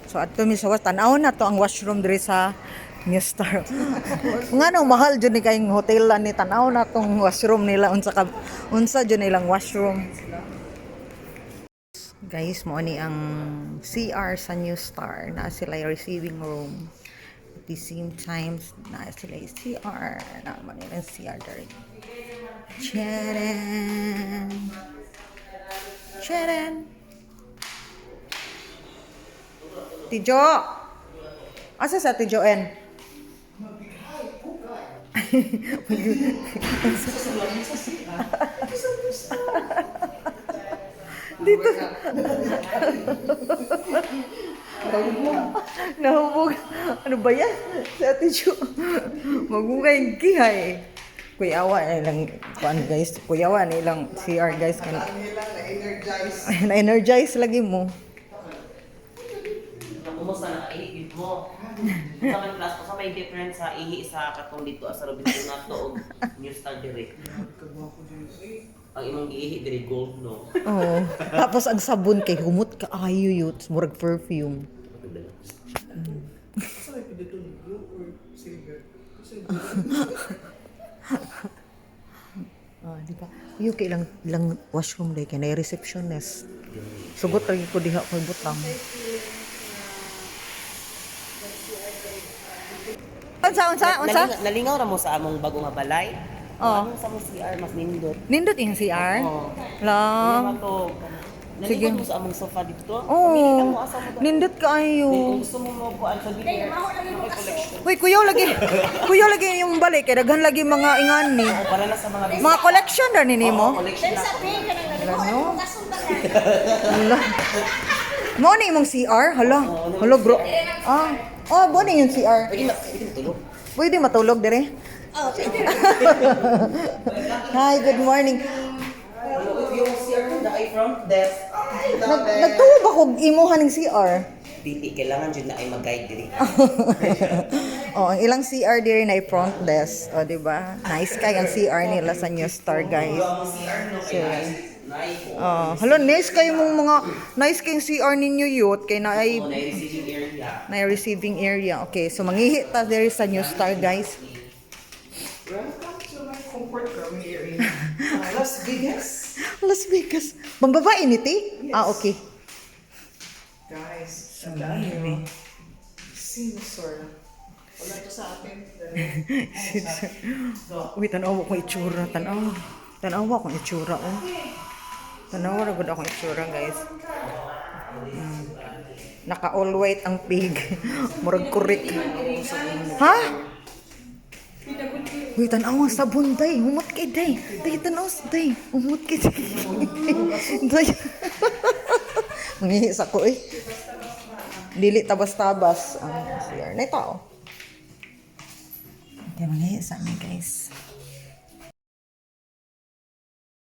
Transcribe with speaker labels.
Speaker 1: So ato mi sa tanaw na to ang washroom diri sa New Star. Ngano mahal jud ni kayong hotel ni tanaw na tong washroom nila unsa jud nilang washroom. Guys, mo ni ang CR sa New Star na sila yung receiving room. At the same time, na sila yung CR. Na mo nilang CR dari. Charan! Charan! Tijo! Asa sa Tijo N? Dito. Nahubog. Ano ba yan? Si Ate Jo. Magugay gihay. Kuyawa na ilang kuan guys. Kuyawa na ilang CR guys. Na-energize lagi mo.
Speaker 2: Kumusta na ihi mo? Sa man class ko sa may difference sa ihi sa katong dito sa Robinson nato og New Star dire. Ang imong giihi dire gold no.
Speaker 1: Oo. Tapos ang sabon kay humot ka ayo yut. Murag perfume. Di ba? Yung ilang washroom day kay na receptionist. Sugot lagi ko diha koy butang. Unsa?
Speaker 2: Nalingaw ra mo sa among bago nga balay.
Speaker 1: Oo.
Speaker 2: Ano sa among CR mas nindot.
Speaker 1: Nindot yung CR?
Speaker 2: Oo.
Speaker 1: Lang. Sige.
Speaker 2: Nalingaw mo sa among sofa dito.
Speaker 1: Oo.
Speaker 2: Pamili lang mo asa mo.
Speaker 1: Nindot
Speaker 2: Kung
Speaker 1: kaayo.
Speaker 2: gusto mo mo ko ang sabi niya. Collection.
Speaker 1: Uy, kuyaw lagi. Kuyaw lagi yung balik. Kaya daghan lagi mga ingan ni.
Speaker 2: Para na sa mga
Speaker 1: Mga collection na nini mo.
Speaker 2: collection na.
Speaker 1: Ano? Hala. Mo ni imong CR? Hala. Hala bro. Oh, bo ni yung CR.
Speaker 2: Pwede matulog.
Speaker 1: Pwede matulog dire? Hi, good morning.
Speaker 2: Yung CR mo na ay front desk.
Speaker 1: Nagtuwa ba kog imuhan ng CR?
Speaker 2: Dili kailangan jud na ay mag-guide diri.
Speaker 1: Oh, ang ilang CR diri na front desk. Oh, di ba? Nice kay ang CR nila sa New Star, guys. So, hello, nice kayo mong mga nice kayong CR ninyo youth kay na ay
Speaker 2: receiving area.
Speaker 1: na receiving area. Okay, so mangihi ta diri sa New Star, guys.
Speaker 3: Welcome to my comfort room area. Las Vegas.
Speaker 1: Las Vegas. Pambabae ni ti? Ah, okay.
Speaker 3: Guys, tandaan nyo. Sinusor. Wala to sa atin.
Speaker 1: Uy, tanawa ko itsura. Tanawa ko itsura, oh. Tanawa na gud akong itsura, guys. Naka all white ang pig. Murag kurik. Ha? Uy, tanawa ang sabon, day. Humot kay, day. Day, tanawa, day. Humot kay, day. Day. Mangihi sa ko, eh. Dili tabas-tabas ang CR na ito. Okay, mangihi sa amin, guys.